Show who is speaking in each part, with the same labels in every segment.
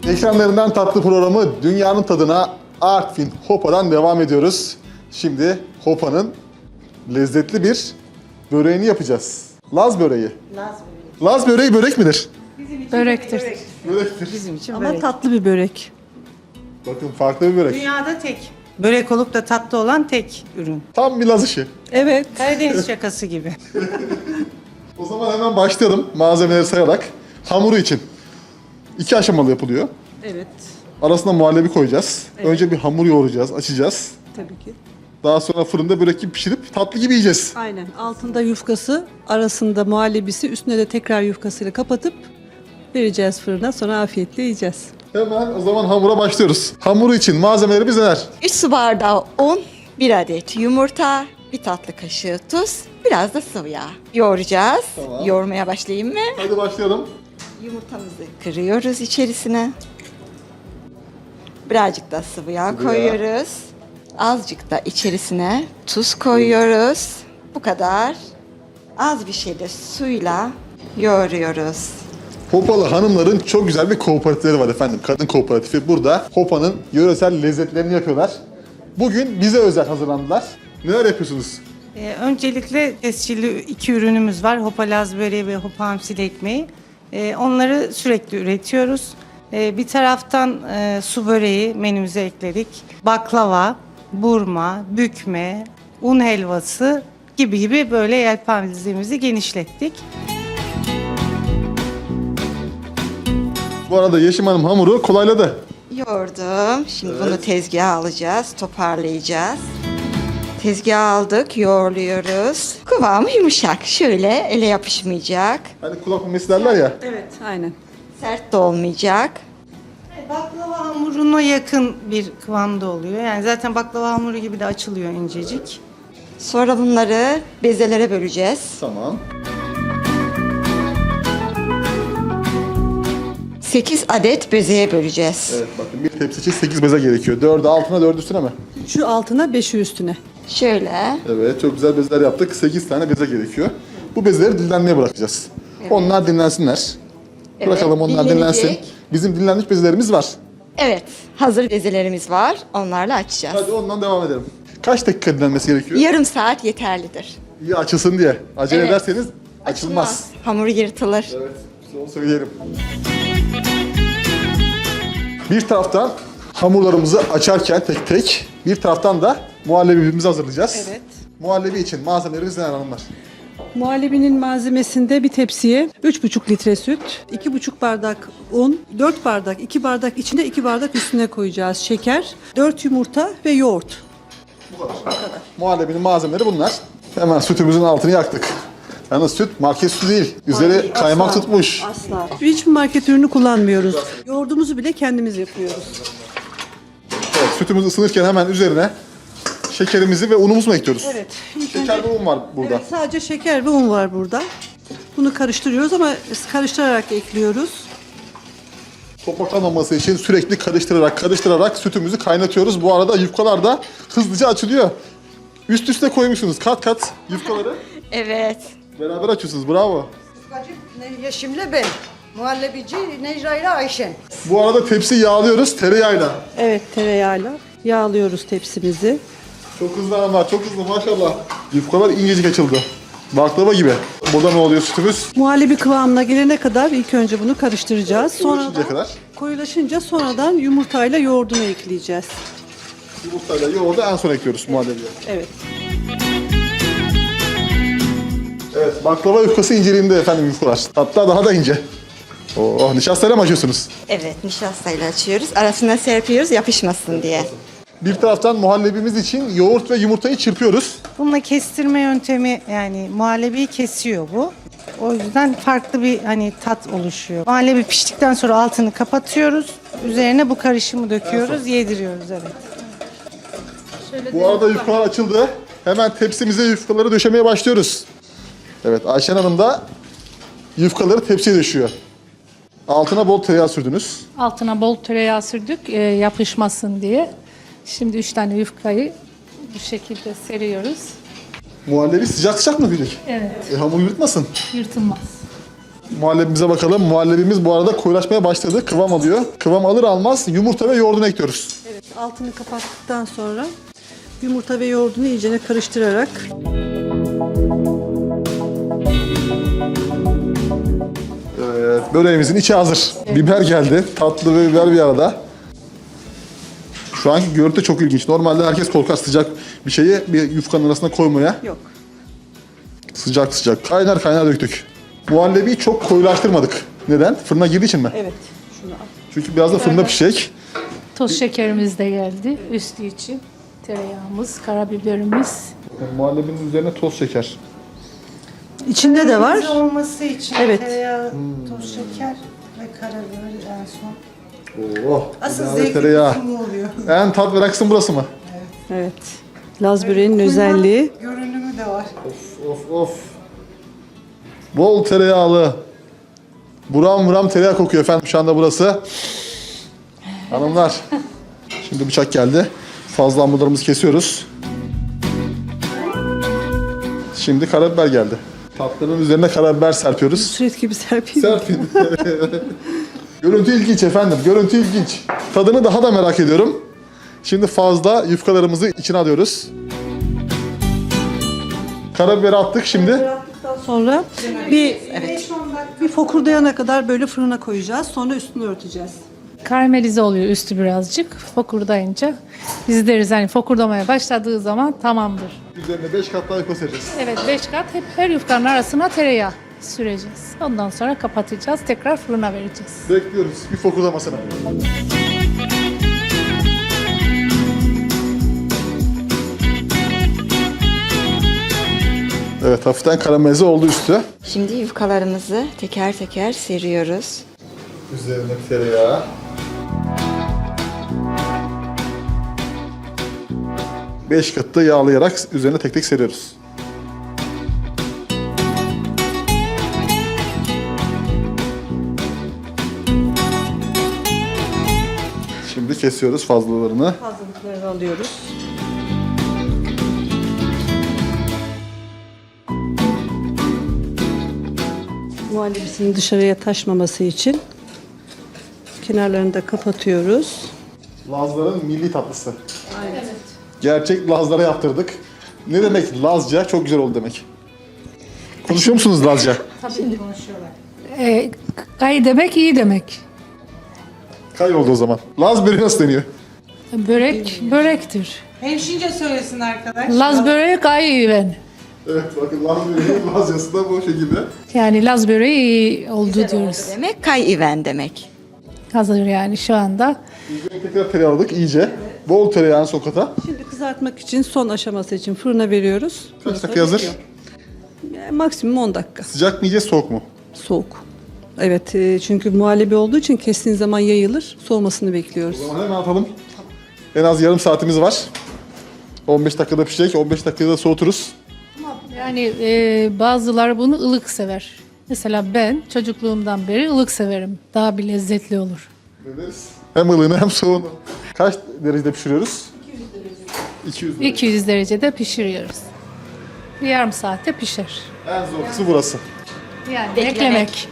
Speaker 1: Ekranlarından tatlı programı Dünyanın Tadına Artvin Hopa'dan devam ediyoruz. Şimdi Hopa'nın lezzetli bir böreğini yapacağız. Laz böreği. Laz böreği börek midir?
Speaker 2: Börektir.
Speaker 1: Börektir.
Speaker 2: Bizim için
Speaker 3: Ama
Speaker 2: börek.
Speaker 3: tatlı bir börek.
Speaker 1: Bakın farklı bir börek.
Speaker 2: Dünyada tek. Börek olup da tatlı olan tek ürün.
Speaker 1: Tam bir Laz işi.
Speaker 3: Evet.
Speaker 2: Karadeniz şakası gibi.
Speaker 1: O zaman hemen başlayalım malzemeleri sayarak. Hamuru için 2 aşamalı yapılıyor.
Speaker 3: Evet.
Speaker 1: Arasına muhallebi koyacağız. Önce bir hamur yoğuracağız, açacağız.
Speaker 3: Tabii ki.
Speaker 1: Daha sonra fırında börek gibi pişirip tatlı gibi yiyeceğiz.
Speaker 3: Aynen. Altında yufkası, arasında muhallebisi, üstüne de tekrar yufkasıyla kapatıp vereceğiz fırına. Sonra afiyetle yiyeceğiz.
Speaker 1: Hemen o zaman hamura başlıyoruz. Hamuru için malzemelerimiz neler?
Speaker 4: 3 su bardağı un, 1 adet yumurta, 1 tatlı kaşığı tuz, biraz da sıvı yağ. Yoğuracağız.
Speaker 1: Tamam.
Speaker 4: Yoğurmaya başlayayım mı?
Speaker 1: Hadi başlayalım.
Speaker 4: Yumurtamızı kırıyoruz içerisine. Birazcık da sıvı yağ
Speaker 1: Sıvı yağ.
Speaker 4: koyuyoruz. Azıcık da içerisine tuz koyuyoruz. Bu kadar. Az bir şey de suyla yoğuruyoruz.
Speaker 1: Hopalı hanımların çok güzel bir kooperatifleri var efendim. Kadın kooperatifi. Burada Hopa'nın yöresel lezzetlerini yapıyorlar. Bugün bize özel hazırlandılar. Neler yapıyorsunuz?
Speaker 2: Öncelikle tescilli 2 ürünümüz var. Hopa Laz böreği ve Hopa hamsili ekmeği. Onları sürekli üretiyoruz. Bir taraftan su böreği menümüze ekledik. Baklava, burma, bükme, un helvası gibi böyle yelpazemizi genişlettik.
Speaker 1: Bu arada Yeşim Hanım hamuru kolayladı.
Speaker 4: Yoğurdum. Şimdi bunu tezgaha alacağız, toparlayacağız. Tezgaha aldık, yoğurluyoruz. Kıvamı yumuşak. Şöyle ele yapışmayacak.
Speaker 1: Hani kulak memesi derler ya.
Speaker 3: Evet. Aynen.
Speaker 4: Sert de olmayacak.
Speaker 2: Baklava hamuruna yakın bir kıvamda oluyor. Yani zaten baklava hamuru gibi de açılıyor incecik.
Speaker 4: Sonra bunları bezelere böleceğiz.
Speaker 1: Tamam.
Speaker 4: 8 adet bezeye böleceğiz.
Speaker 1: Evet bakın bir tepsi için 8 beze gerekiyor. 4'ü altına 4'ü üstüne mi?
Speaker 3: 3'ü altına, 5'i üstüne.
Speaker 4: Şöyle.
Speaker 1: Evet çok güzel bezeler yaptık. 8 tane beze gerekiyor. Bu bezeleri dinlenmeye bırakacağız. Onlar dinlensinler.
Speaker 4: Evet,
Speaker 1: Bırakalım onlar
Speaker 4: dinlenecek.
Speaker 1: dinlensin. Bizim dinlenmiş bezelerimiz var.
Speaker 4: Evet, hazır bezelerimiz var. Onlarla açacağız.
Speaker 1: Hadi ondan devam edelim. Kaç dakika dinlenmesi gerekiyor?
Speaker 4: Yarım saat yeterlidir.
Speaker 1: İyi açılsın diye. Acele
Speaker 4: Evet.
Speaker 1: ederseniz açılmaz.
Speaker 4: Hamuru yırtılır.
Speaker 1: Evet, onu söyleyelim. Bir taraftan hamurlarımızı açarken tek tek, bir taraftan da muhallebimizi hazırlayacağız.
Speaker 3: Evet.
Speaker 1: Muhallebi için malzemelerimiz neler hanımlar?
Speaker 3: Muhallebinin malzemesinde bir tepsiye 3,5 litre süt, 2,5 bardak un, 4 bardak, 2 bardak içinde 2 bardak üstüne koyacağız şeker, 4 yumurta ve yoğurt.
Speaker 1: Muhallebinin malzemeleri bunlar. Hemen sütümüzün altını yaktık. Yalnız süt market sütü değil. Üzeri kaymak
Speaker 3: asla.
Speaker 1: tutmuş.
Speaker 3: Asla. Hiçbir market ürünü kullanmıyoruz. Yoğurdumuzu bile kendimiz yapıyoruz.
Speaker 1: Evet, sütümüz ısınırken hemen üzerine şekerimizi ve unumuzu mu ekliyoruz?
Speaker 3: Evet.
Speaker 1: Şeker ve un var burada.
Speaker 3: Evet, sadece şeker ve un var burada. Bunu karıştırıyoruz ama karıştırarak ekliyoruz.
Speaker 1: Topaklanmaması için sürekli karıştırarak sütümüzü kaynatıyoruz. Bu arada yufkalar da hızlıca açılıyor. Üst üste koymuşsunuz kat kat yufkaları.
Speaker 4: Evet.
Speaker 1: Beraber açıyorsunuz. Bravo.
Speaker 5: Yeşim'le ben. Muhallebici Necla ile Ayşen.
Speaker 1: Bu arada tepsi yağlıyoruz tereyağıyla.
Speaker 3: Evet, tereyağıyla yağlıyoruz tepsimizi.
Speaker 1: Çok hızlı hanımlar, çok hızlı maşallah. Yufkalar incecik açıldı. Baklava gibi. Burada ne oluyor sütümüz?
Speaker 3: Muhallebi kıvamına gelene kadar ilk önce bunu karıştıracağız.
Speaker 1: Koyulaşıncaya kadar.
Speaker 3: Koyulaşınca sonradan yumurtayla yoğurdunu ekleyeceğiz.
Speaker 1: Yumurtayla yoğurdu en son ekliyoruz muhallebiye.
Speaker 3: Evet.
Speaker 1: Evet, baklava yufkası inceliğinde efendim yufkalar. Hatta daha da ince. Oh, nişastayla mı açıyorsunuz?
Speaker 4: Evet, nişastayla açıyoruz. Arasına serpiyoruz yapışmasın diye.
Speaker 1: Bir taraftan muhallebimiz için yoğurt ve yumurtayı çırpıyoruz.
Speaker 2: Bununla kestirme yöntemi yani muhallebiyi kesiyor bu. O yüzden farklı bir tat oluşuyor. Muhallebi piştikten sonra altını kapatıyoruz. Üzerine bu karışımı döküyoruz, yediriyoruz evet.
Speaker 1: Bu arada yufkalar açıldı. Hemen tepsimize yufkaları döşemeye başlıyoruz. Evet, Ayşen Hanım da yufkaları tepsiye döşüyor. Altına bol tereyağı sürdünüz.
Speaker 6: Altına bol tereyağı sürdük yapışmasın diye. Şimdi 3 tane yufkayı bu şekilde seriyoruz.
Speaker 1: Muhallebi sıcak sıcak mı gidecek?
Speaker 6: Evet,
Speaker 1: Hamur yırtmasın.
Speaker 6: yırtılmaz.
Speaker 1: Muhallebimize bakalım. Muhallebimiz bu arada koyulaşmaya başladı. Kıvam alıyor. Kıvam alır almaz yumurta ve yoğurdunu ekliyoruz.
Speaker 3: Evet, altını kapattıktan sonra yumurta ve yoğurdunu iyicene karıştırarak
Speaker 1: Evet, böreğimizin içi hazır. Biber geldi. Tatlı ve biber bir arada. Şu anki görüntü çok ilginç. Normalde herkes korkar sıcak bir şeyi bir yufkanın arasına koymaya.
Speaker 3: yok.
Speaker 1: Sıcak sıcak. Kaynar kaynar döktük. Muhallebiyi çok koyulaştırmadık. Neden? Fırına girdiği için mi?
Speaker 3: Evet. Şunu al.
Speaker 1: Çünkü biraz da fırında pişecek.
Speaker 6: Toz şekerimiz de geldi üstü için. Tereyağımız, karabiberimiz.
Speaker 1: Muhallebinin üzerine toz şeker.
Speaker 3: İçinde de var.
Speaker 2: Lezzet olması için
Speaker 3: Evet.
Speaker 2: tereyağı, toz şeker ve karabiber en son.
Speaker 1: Oh.
Speaker 2: Asıl
Speaker 1: ilave
Speaker 2: zevkli
Speaker 1: tereyağı.
Speaker 2: kısmı oluyor.
Speaker 1: En tat veren kısım burası mı?
Speaker 3: Evet. Laz böreğinin özelliği.
Speaker 2: Görünümü de var.
Speaker 1: Of. Bol tereyağlı. Buram buram tereyağı kokuyor efendim şu anda burası. Hanımlar. Şimdi bıçak geldi. Fazla hamurlarımızı kesiyoruz. Şimdi karabiber geldi. Tatlının üzerine karabiber serpiyoruz.
Speaker 3: Süret gibi serpeyim.
Speaker 1: Serpin. Görüntü ilginç efendim. Görüntü ilginç. Tadını daha da merak ediyorum. Şimdi fazla yufkalarımızı içine alıyoruz. Karabiberi attık şimdi.
Speaker 3: Yaptıktan sonra bir fokurdayana kadar böyle fırına koyacağız. Sonra üstünü örteceğiz.
Speaker 6: Karamelize oluyor üstü birazcık. Fokurdayınca biz deriz hani fokurdamaya başladığı zaman tamamdır.
Speaker 1: Üzerine 5 kat daha yufka sereceğiz.
Speaker 6: Evet 5 kat hep her yufkanın arasına tereyağı süreceğiz. Ondan sonra kapatacağız. Tekrar fırına vereceğiz.
Speaker 1: Bekliyoruz bir fokurdamasını. Evet hafiften karamelize oldu üstü.
Speaker 4: Şimdi yufkalarımızı teker teker seriyoruz.
Speaker 1: Üzerine tereyağı. Beş katı yağlayarak üzerine tek tek seriyoruz. Şimdi kesiyoruz fazlalarını.
Speaker 3: Fazlalıklarını alıyoruz. Muhallebisinin dışarıya taşmaması için kenarlarını da kapatıyoruz.
Speaker 1: Lazların milli tatlısı. Gerçek Lazlara yaptırdık. Ne demek Lazca? Çok güzel oldu demek. Konuşuyor musunuz Lazca?
Speaker 6: Gay demek iyi demek.
Speaker 1: Kay oldu o zaman. Laz böreği nasıl deniyor?
Speaker 6: Börek börektir.
Speaker 2: Hemşince söylesin arkadaş.
Speaker 6: Laz böreği gay ben.
Speaker 1: Evet bakın Laz böreği Lazcası da bu şekilde.
Speaker 6: Yani Laz böreği iyi oldu diyoruz.
Speaker 4: Demek kay-iven demek.
Speaker 6: Hazır yani şu anda.
Speaker 1: Üzerine tekrar tereyağı aldık iyice. Bol tereyağını sokata.
Speaker 3: Şimdi kızartmak için son aşaması için fırına veriyoruz.
Speaker 1: Kaç dakika hazır?
Speaker 3: Maksimum 10 dakika.
Speaker 1: Sıcak mı yiyeceğiz soğuk mu?
Speaker 3: Soğuk. Evet çünkü muhallebi olduğu için kestiğin zaman yayılır. Soğumasını bekliyoruz.
Speaker 1: O zaman hemen atalım. En az yarım saatimiz var. 15 dakikada pişecek. 15 dakikada da soğuturuz.
Speaker 6: Yani bazıları bunu ılık sever. Mesela ben çocukluğumdan beri ılık severim. Daha bir lezzetli olur.
Speaker 1: Deneriz. Hem ılığını hem soğuğunu. Kaç derecede pişiriyoruz? 200 derece.
Speaker 6: 200 derecede pişiriyoruz. Bir yarım saatte pişer.
Speaker 1: En zor kısmı burası.
Speaker 6: Yani beklemek.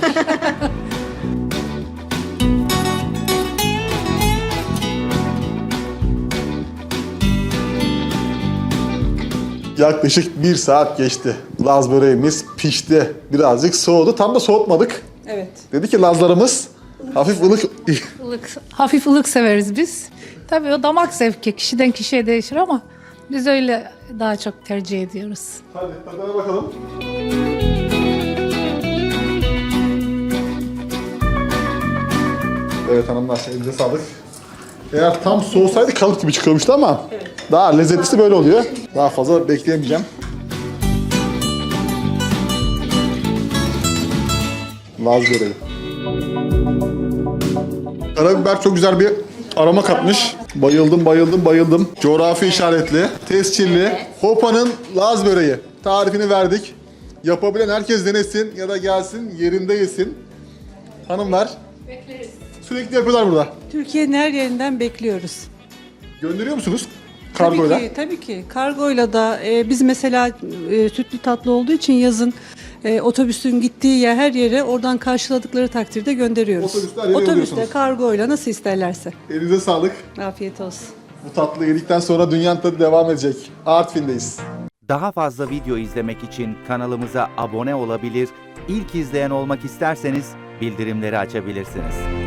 Speaker 1: Yaklaşık 1 saat geçti. Laz böreğimiz pişti. Birazcık soğudu. Tam da soğutmadık.
Speaker 3: Evet.
Speaker 1: Dedi ki Lazlarımız hafif ılık.
Speaker 6: Hafif ılık severiz biz. Tabii o damak zevki kişiden kişiye değişir ama biz öyle daha çok tercih ediyoruz.
Speaker 1: Hadi tadına bakalım. Evet hanımlar elinize sağlık. Eğer tam soğusaydı kalıp gibi çıkıyormuştu ama daha lezzetlisi böyle oluyor. Daha fazla bekleyemeyeceğim. Laz böreği. Karabiber çok güzel bir aroma katmış. Bayıldım. Coğrafi işaretli, tescilli. Hopa'nın Laz böreği. Tarifini verdik. Yapabilen herkes denesin ya da gelsin yerinde yesin. Hanımlar.
Speaker 6: Bekleriz.
Speaker 1: Sürekli yapıyorlar burada.
Speaker 3: Türkiye'nin her yerinden bekliyoruz.
Speaker 1: Gönderiyor musunuz? Kargoyla.
Speaker 3: Tabii ki. Kargoyla da biz mesela sütlü tatlı olduğu için yazın Otobüsün gittiği yer, her yere oradan karşıladıkları takdirde gönderiyoruz.
Speaker 1: Otobüsle her yere
Speaker 3: Otobüsle,
Speaker 1: yolluyorsunuz.
Speaker 3: kargoyla nasıl isterlerse.
Speaker 1: Elinize sağlık.
Speaker 3: Afiyet olsun.
Speaker 1: Bu tatlı yedikten sonra dünyanın tadı devam edecek. Artvin'deyiz.
Speaker 7: Daha fazla video izlemek için kanalımıza abone olabilir, ilk izleyen olmak isterseniz bildirimleri açabilirsiniz.